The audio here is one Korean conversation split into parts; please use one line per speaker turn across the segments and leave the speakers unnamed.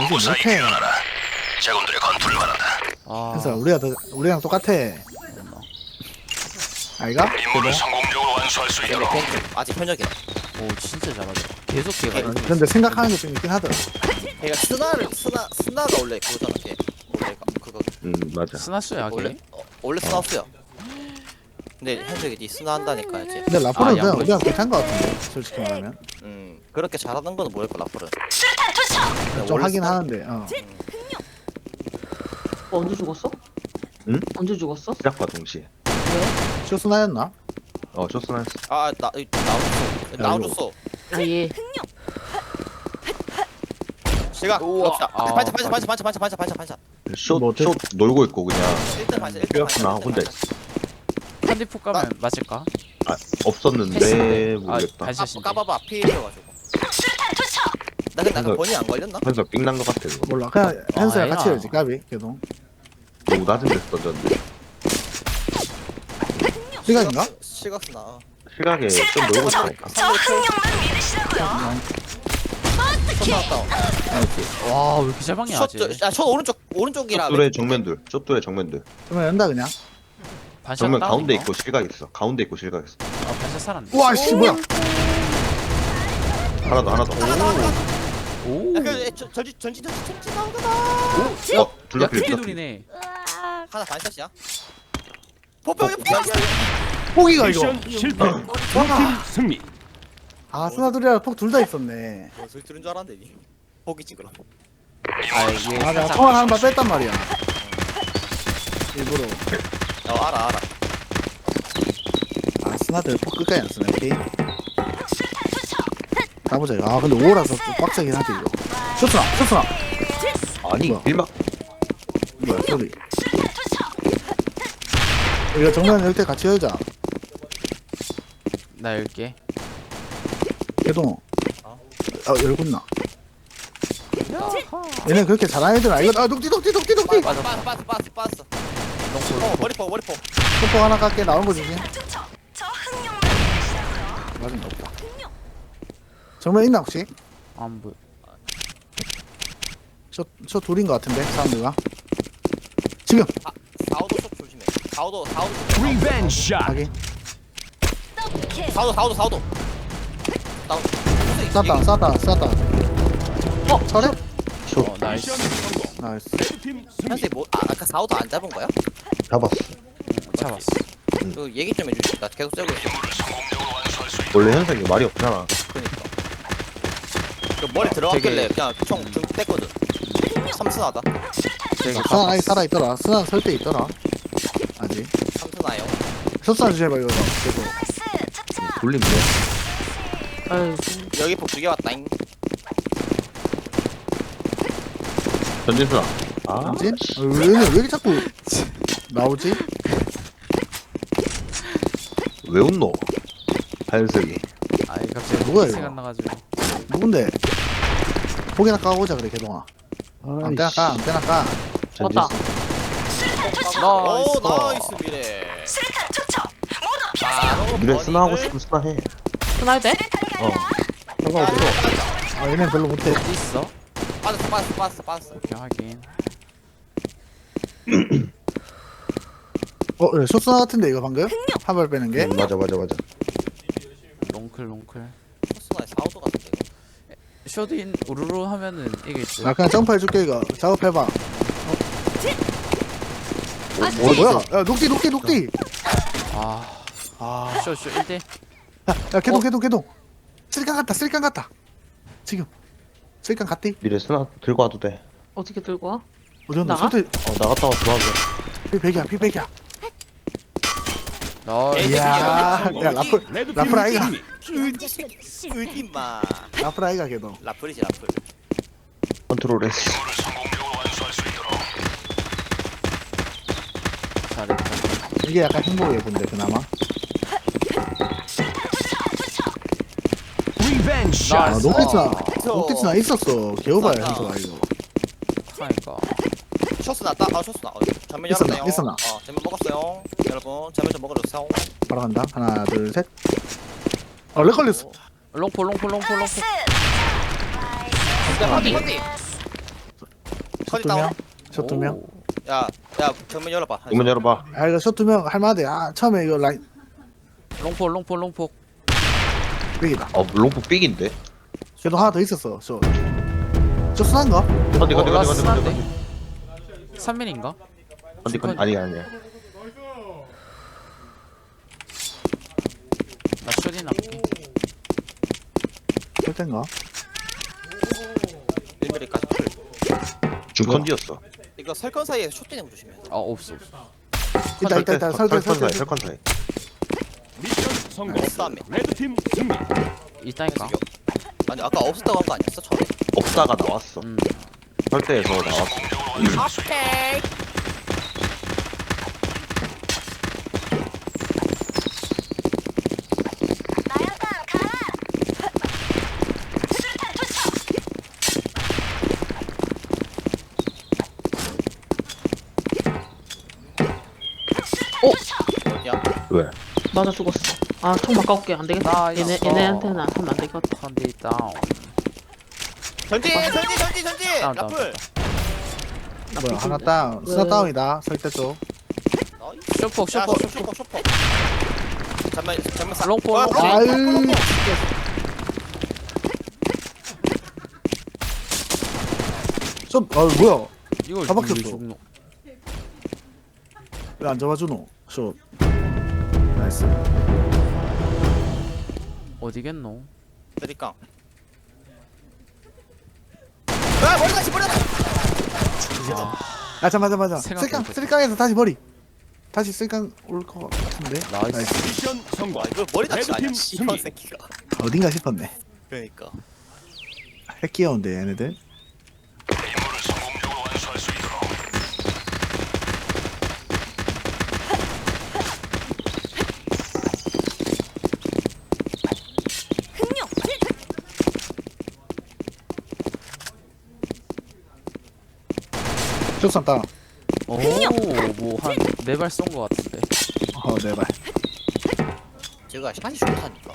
무사히
못해.
귀환하라. 제군들의 건투를 바란다.
그래서 우리랑 똑같아. 아이가?
임무를 성공적으로 완수할 수
근데
있도록
아직 현역이야.
오 진짜 잘하죠. 계속 걔가
근데 생각하는 게 좀 있긴 하더라.
걔가 스나가 원래 그거잖아. 걔 원래 그거
맞아.
스나스야
원래
걔.
원래 스나였어요. 근데 현석이 니 스나 한다니까 이제.
근데 라프는
아,
그냥
양보지.
우리랑 비슷한 거 같은데 솔직히 말하면
그렇게 잘하는 거는 모를 거 라플은.
좀 하긴 하는데
언제 죽었어?
응?
언제 죽었어?
시작과 동시에.
쇼스나였나?
쇼스나였어.
나와줬어.
아 예.
시각
우와.
갑시다.
아,
반차.
숏
뭐 어때?
놀고 있고 그냥
1등 반차.
삐었구나 혼자 있어.
한디폭 가면 맞을까?
없었는데
패스인데.
모르겠다.
반샷인데.
까봐봐 피해가지고. 나 근데 아까 번이 안 걸렸나?
그래서 삥난 거 같아 그거.
몰라 그냥 현수랑
아니야.
같이 해야지 까비 계속
너무 낮은 데서 던졌는데.
시간인가?
시각스나.
시각에 좀 놀고 있으니까.
저 흥룡만 믿으시라고요.
숏 나왔다.
와 왜 이렇게 잘 박냐 아직.
숏 오른쪽이라.
숏둘의 정면들. 숏둘의 정면들.
그러면 연다 그냥
반샷
정면
다운인가?
가운데 있고 실각 있어. 가운데 있고 실각 있어.
아 반샷 살았네.
우와 씨 뭐야
하나 더.
오.
전진 나오잖아.
둘다
야
필.
크게 둘이네.
하나 반샷이야. 포병이
포기가 이거
실패. 승리.
아 스나들이랑 폭 둘 다 있었네
소리 들은 줄 알았는데 니. 포기지 그럼.
아 이게
아 내가
살짝
통화 한발 뺐단 말이야 일부러
알아.
아 스나들 폭 끝까지 안 쓰네 오케이 가보자 이거 아 근데 5라서 좀 빡세긴 하지 이거 쇼스나
아니
뭐야?
일막
뭐야 소리 이거 정면 열 때 같이 열자
나 열게.
개동 열군나 얘네 그렇게 잘하는 애들 아니거든 아 녹디
빠졌어. 머리포.
폭폭 하나 깎게 나온 거 조심
저 흥룡만 믿으시라고요.
맞은 거 없다 정면 있나 혹시?
안 보여.
저 둘인 거 같은데 사람들과 지금
사오도 쪽 조심해. 사오도
리벤지 샷.
확인
사오도.
쐈다 철회?
어 나이스.
나이스
레드팀 승리.
현재 아까 사오도 안 잡은 거야?
잡았어.
잡았어.
그 얘기 좀 해주지. 나 계속 째고 있어.
임무를 성공적으로 완수할 수 있도록
원래 현석이 말이 없잖아.
그니까. 그 머리 들어갔길래 그냥 총좀 뗐거든. 삼순하다.
되게
스나 아직 살아있더라 스나 설 때 있더라 아직
삼순하요.
쇼스나 주제봐 이거 계속
돌리면
아유
여기 폭 2개 왔다잉.
전진수나. 아
뭐지? 왜 이렇게 자꾸 나오지?
왜 웃노? 하현석이.
아이 갑자기
뭐야,
생각
이거?
나가지고.
누군데? 포기나 까보자 그래 개동아 안테나 까 안테나 까
왔다.
오 나이스 미래.
실탄 투척.
바로
미래 스나 하고
버닝을-
싶으면 스나 해.
스나할 때?
저거 어디서 아 얘네 별로 못해
어디 있어?
빠졌어.
오케이 확인.
예, 쇼스나 같은데 이거 방금? 한 발 빼는 게?
맞아.
롱클.
코스나의 사오도 같은데.
쇼드인 우르르 하면은 이기지.
나 그냥 점프해줄게 이거 작업해봐 뭐야 야 녹디
아 쇼 1대.
야 개동 쓸강 같다 지금 쓸강 갔디?
미래 스나 들고 와도 돼.
어떻게 들고 와?
어디 온다
나가?
소리
나갔다 와 들어가게.
피백이야
나이스.
이야 야 라플 아이가
의디마.
라플 아이가 개동
라플이지 라플.
컨트롤했어.
임무를 성공적으로 완수할 수 있도록
잘했다.
이게 약간 행복해 본데 그나마
리벤지
아
샷.
녹디스나 있었어 개오바야
맞다.
현수가 이거
하니까.
쇼스 났다. 쇼스 나. 전면
있었나?
열었네요.
있었나?
전면 먹었어요. 여러분 전면 좀 먹어주세요.
바로 간다 하나 둘셋 렉 걸렸어
롱포.
근데
숏
컷이 다운.
2명. 숏 2명.
오.
야 정면 열어봐.
이문 열어봐.
아 이거 숏 2명 할만하대. 아 처음에 이거 라인
롱폭.
빅이다.
롱프 삑인데.
그래도 하나 더 있었어. 숏 순한가?
컨디
라스 한데 3민인가?
컨디 아니야.
나 쇼딘 할게.
쏠 텐가?
1mm까지 풀.
중컨디였어.
이거 설건 사이에 숏 뛰는 거 조심해.
아 없어.
있다. 설대.
설컨 사이.
미션 성공.
없다며.
레드팀 승리.
있다니까.
아니 아까 없었다고 한 거 아니었어 처음에?
없다가 나왔어. 설대에서 나왔어.
오케이.
나야가 가라. 수류탄 투척.
어디야?
왜?
맞아 죽었어. 아 총 바꿔올게 안 되겠다.
나
얘네한테는 하면 안 되겠다.
컨디 다운.
전진.
다운.
라플.
뭐야 하나 다운. 스나
왜?
다운이다. 설대 쪽.
쇼폭.
쇼퍼. 잠만
롱포,
아,
롱포.
아유. 숏. 아 뭐야?
이걸
다 박혔어.
왜 죽노?
왜 안 잡아주노? 숏. 나이스.
어디겠노?
드리깡. 아 머리 다시 버려라.
아 잠깐만.
생각
쓸깡
못했다.
쓸깡에서 다시 머리. 다시 쓸깡 올 것 같은데.
나이스.
미션 성공.
와 이거 머리 다치 아니야?
레드팀
씨발
승리.
새끼가.
어딘가 싶었네.
그러니까.
핵 귀여운데 얘네들.
임무를 성공적으로 완수할 수 있도록.
흥룡.
숏선 다운.
오뭐한 4발 쏜 거 같은데.
네 발.
제가 샷이 좋다니까.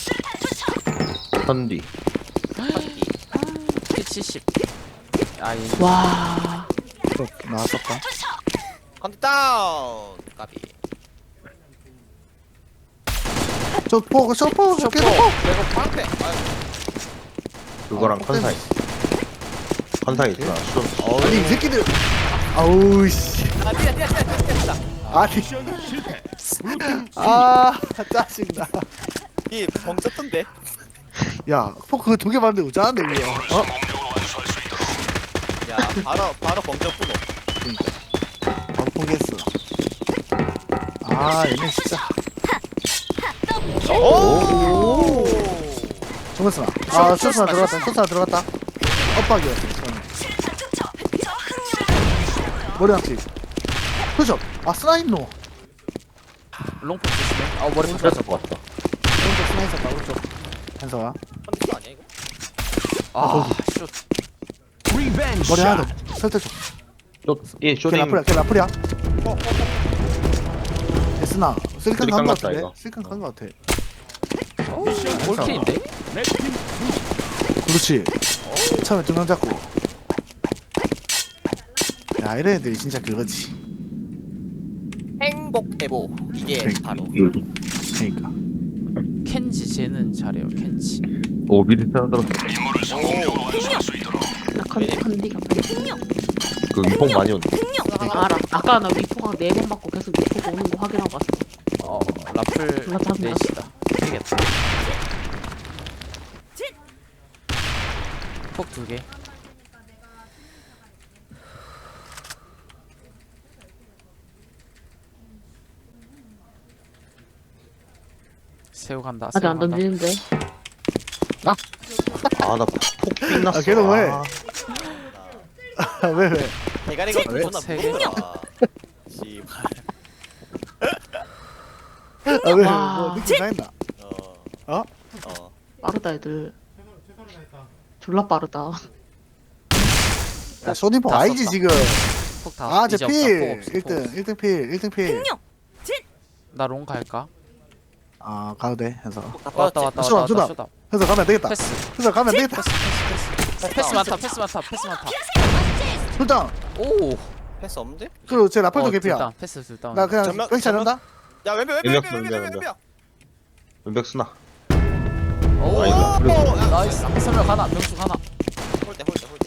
컨디.
P70. 아이
와.
숏 나왔었다.
컨디 다운. 까비.
숏포 계속 포.
내가 방패. 아유.
그거랑 컨 사이. 컨 사이 있구나.
아니 이 새끼들. 아우 씨.
아 뛰어.
아니.
미션 실패. 블루팀
아 짜증나.
이 벙쪘던데.
야 포크 2개 봤는데 우짜한데 이거.
성공적으로 완수할 수 있도록.
야 바로 벙쪘구노.
바로 포기했어. 아 얘네 진짜.
오.
정했으나. 아 숏스나 들어갔다. 엇박이었어.
수류탄 투척. 저 흥룡만
머리 한치. 그죠? 아 스나있노.
롱폭 조심해. 아 머리
그랬을
풀렸어.
것 같다.
오른쪽 스나 있었다 오른쪽. 현서가.
컨디 아니야 이거?
아쇼
리벤지
머리 하나
샷.
더. 설대 줘.
예,
걔
쇼딩.
라플이야. 걔 라플이야. 스나. 쓸칸
쓰리칸
간거
같다,
같은데?
이거.
쓸칸 간거 같아.
미션
골킬인데?
레드팀 승리.
그렇지. 처음에 2명 잡고. 야 이런 애들이 진짜 그거지.
행복 에보. 이게
그러니까.
바로.
그러니까.
켄지 쟤는 잘해요. 켄지.
오, 미리 들었어.
임무를 성공적으로 완수할 수 있도록.
나 컨디가
그 위폭 많이 온다.
알아. 아까 나 위포가 4번 받고 계속 위포가 오는 거 확인하고 왔어.
라플
졸라 짜증나.
넷이다. 되겠다. 폭 2개. 새우 간다.
아직 안
새우 간다.
던지는데.
아, 나폭 삑났어.
아, 걔는 왜? 왜?
대가리가
왜?
존나
세 개?
무겁더라. 씨발.
아 왜?
와.
뭐 느낌 나있나? 어?
빠르다 애들. 졸라 빠르다.
야 쇼딩포
다
아니지
썼다.
지금.
폭 다.
아, 제
이제 없다.
필.
폭 없어, 폭
1등.
없어.
1등 필. 1등 필.
흥룡.
나롱 갈까?
아, 가도 돼. 해서.
왔다.
쇼다, 쇼다.
쇼다.
해서 가면 안 되겠다.
패스.
해서 가면 안 되겠다.
패스 많다. 패스 많다.
피하세요.
둘다
오.
패스 없는데?
그리고 제 라플도 개피야.
둘 다운, 패스 둘 다운.
나 그냥
전면-
뺑 차련다.
야 왼벽
왼벽,
왼벽 왼벽
왼벽,
왼벽
왼벽 쓰나?
오.
아, 이거
나이스. 선명 하나, 명수 하나.
홀대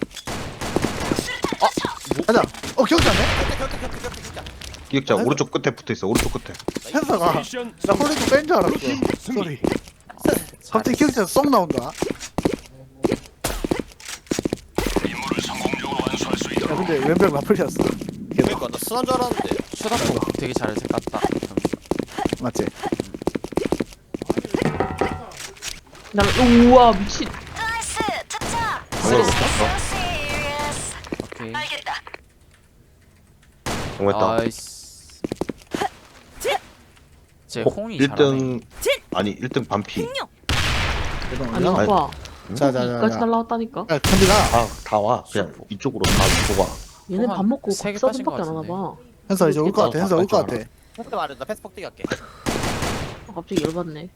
가자. 기억자네.
기획자 오른쪽 끝에 붙어있어 오른쪽 끝에.
현서가
미션
나 홀리도 뺀 줄 알았어.
블루팀 승리.
소리. 갑자기 기억자 쏙 나온다.
임무를 성공적으로 완수할 수 있도록.
야 근데 왼벽 라플이었어.
그러니까 나 순한 줄 알았는데
쇼다포 되게 잘 깠다.
맞지?
나 우와 미친.
나이스 투척.
쓰레기
So serious.
오케이.
알겠다.
정했다.
나이스. 제 홍이 잘하네.
1등 아니 1등 반피.
흥룡.
아니
대동아.
봐봐.
자자자.
여기까지 날라왔다니까.
야 컨디가
다 와. 그냥 이쪽으로 다 들어와.
얘네 밥 먹고
세개 빠진
서든밖에 안
것
하나 봐.
현서 이제 올 것 같아. 현서 올 것 같아.
패스 말해 나 패스 폭대기 할게
갑자기 열받네.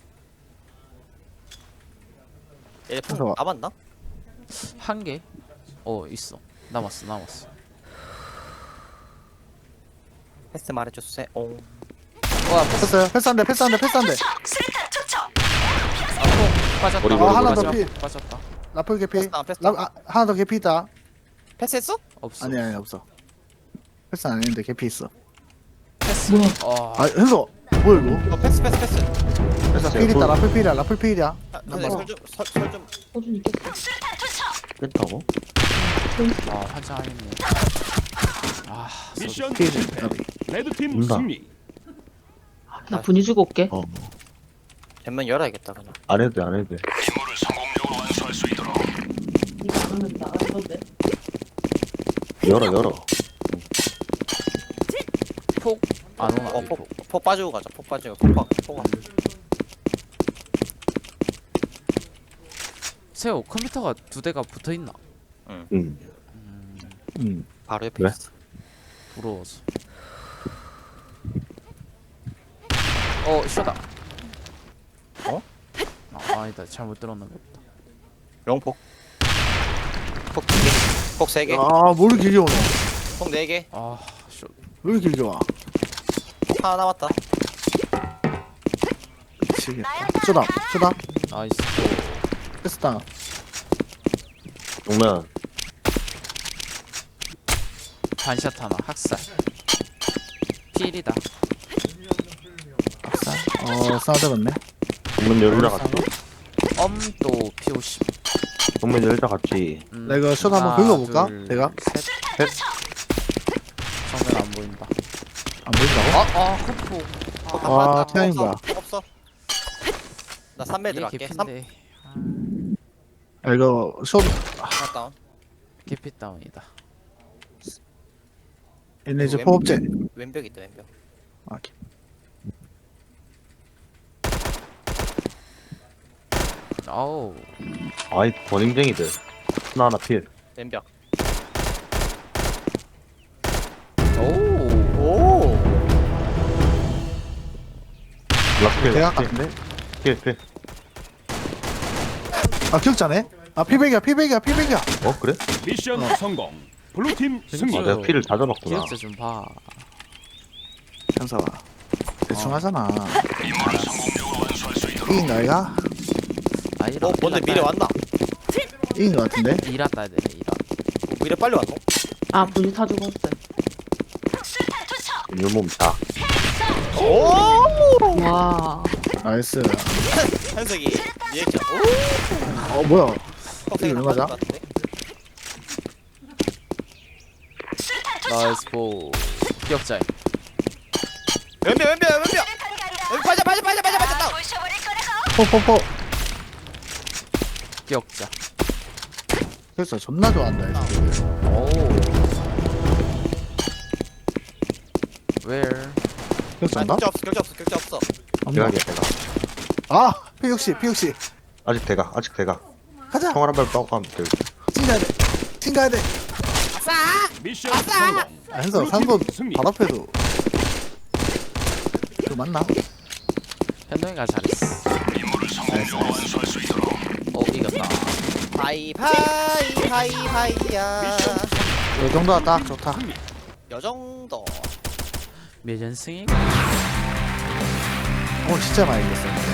얘
그래서-
폭 남았나?
한 개? 있어. 남았어.
패스 말해줬어 오
와, 패스.
패스요. 패스한대.
투척. 수류탄 투척.
빠졌다.
머리, 머리,
하나
머리.
더 피.
빠졌다.
라플 개피.
패스다, 패스.
하나 더 개피 있다.
패스했어?
없어.
아니 없어. 패스 안 했는데 개피 있어.
패스.
뭐야?
아 현서 뭐야 이거?
패스
그래서 필 있다. 라플 필이야. 라플 필이야.
근데 설좀
서준이 깼어.
수류탄 투척.
뺐다고?
환장하겠네.
미션
필.
실패. 레드팀
온다.
승리.
나 분위 주고 올게.
전면 열어야겠다 그냥
안 해도 돼.
임무를 성공적으로 완수할 수 있도록.
이거 안 하면 나갈 건데.
열어.
폭. 안 오나? 이 폭.
폭 빠지고 가자 폭 빠지고 폭
세호 컴퓨터가 두 대가 붙어 있나?
응.
바로 옆에
그래?
있어
부러워서. 쇼다. 아니다. 잘못 들었나 보다.
영폭 폭 2개 폭 3개
아뭘 길게 오네.
폭 4개
쇼.
왜 이렇게 길게 와?
폭 하나 남았다
미치겠다. 쏘다.
나이스.
패스다.
정면
반샷 하나. 학살. 필이다.
싸들었네.
정면 열자 같이.
엄도 P50.
정면 열자 같이.
나 이거 숏 한번 긁어볼까? 내가?
셋. 정면 안 보인다.
안 보인다고?
헛포.
폭
와,
다 빠졌다.
태양인 거야.
폭 없어 나 3배
이게
들어갈게 3
개피인데.
이거 숏
하나 다운
개피 다운이다.
얘네 이제 포업제.
왼벽 있다 왼벽
아,
아우.
아이 버닝쟁이들. 하나 필.
왼벽
오.
락필.
대학 같은데?
필.
기억자네? 피백이야.
그래?
미션 성공. 블루팀 승리.
아, 내가 필을 다 잡았구나.
기억자 좀 봐.
현서가. 대충 하잖아.
임무를 성공적으로 완수할 수 있도록.
이긴 거 아이가?
이라.
뭔데 미래 왔나?
이긴 거 같은데?
이라 따야 되네. 이라.
미래 빨리 왔노?
아 분위 타 죽었어.
수류탄 투척.
율몸 다.
와.
나이스.
현석이 리액션
뭐야?
폭
이거 왜 맞아?
수류탄 투척.
나이스 보. 기억자에.
왼벽
수류탄 가리라.
빠져 다운
부셔버릴 거라고.
포.
기억자.
그래서 존나 좋아한다. 이 새끼들.
오. Where?
기억자인가?
격자 없어
없나?
대각이야.
P60.
아직 대각.
가자.
총알 한발 빠고 가면 돼.
튕가야 돼.
미션 성공.
현서
블루팀
3번
승리.
바로 앞에도. 그거 맞나?
현동이가 잘했어.
임무를 성공적으로 완수할 수 있도록.
이겼다.
하이야
미션
요 정도가 딱 좋다.
여정도
매전승이
오늘 진짜 많이 이겼어.